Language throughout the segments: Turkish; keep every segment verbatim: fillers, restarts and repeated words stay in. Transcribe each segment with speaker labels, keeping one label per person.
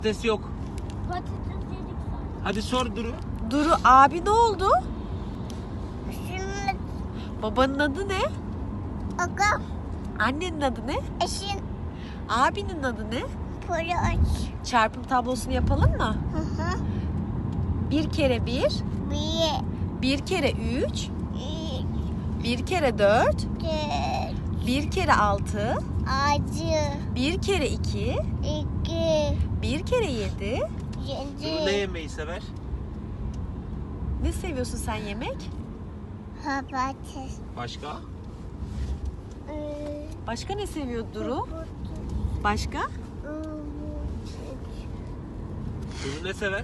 Speaker 1: Patates yok.
Speaker 2: Patates yedik zaten.
Speaker 1: Hadi sor Duru.
Speaker 3: Duru abi ne oldu?
Speaker 2: Şimdi
Speaker 3: Babanın adı ne?
Speaker 2: aga
Speaker 3: Annenin adı ne?
Speaker 2: eşin
Speaker 3: Abinin adı ne?
Speaker 2: poli aç.
Speaker 3: Çarpım tablosunu yapalım mı?
Speaker 2: Hı hı.
Speaker 3: Bir kere bir,
Speaker 2: Bir,
Speaker 3: bir kere üç,
Speaker 2: iki,
Speaker 3: bir kere dört,
Speaker 2: dört,
Speaker 3: bir kere altı,
Speaker 2: acı,
Speaker 3: bir kere iki,
Speaker 2: iki,
Speaker 3: bir kere yedi.
Speaker 1: Duru ne
Speaker 2: yedi,
Speaker 1: yemeyi sever?
Speaker 3: Ne seviyorsun sen yemek?
Speaker 2: patates.
Speaker 1: Başka?
Speaker 2: Ee,
Speaker 3: Başka ne seviyor Duru?
Speaker 2: patates,
Speaker 3: Başka?
Speaker 2: ıı,
Speaker 1: Duru ne sever?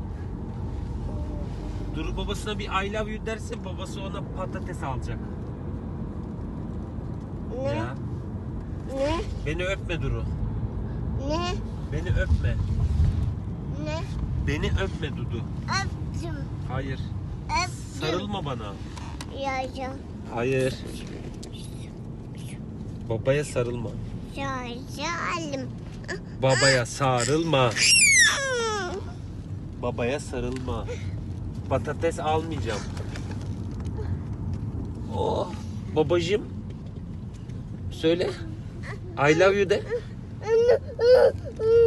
Speaker 1: Duru babasına bir I love you derse babası ona patates alacak.
Speaker 2: Ne?
Speaker 1: Ya.
Speaker 2: Ne?
Speaker 1: Beni öpme Duru.
Speaker 2: Ne?
Speaker 1: Beni öpme.
Speaker 2: Ne?
Speaker 1: Beni öpme Dudu.
Speaker 2: Öptüm.
Speaker 1: Hayır.
Speaker 2: Öptüm.
Speaker 1: Sarılma bana.
Speaker 2: Yayacağım.
Speaker 1: Hayır. Babaya sarılma.
Speaker 2: Yayacağım.
Speaker 1: Babaya sarılma. Babaya sarılma. Patates almayacağım. Oh, babacığım. Söyle. I love you de.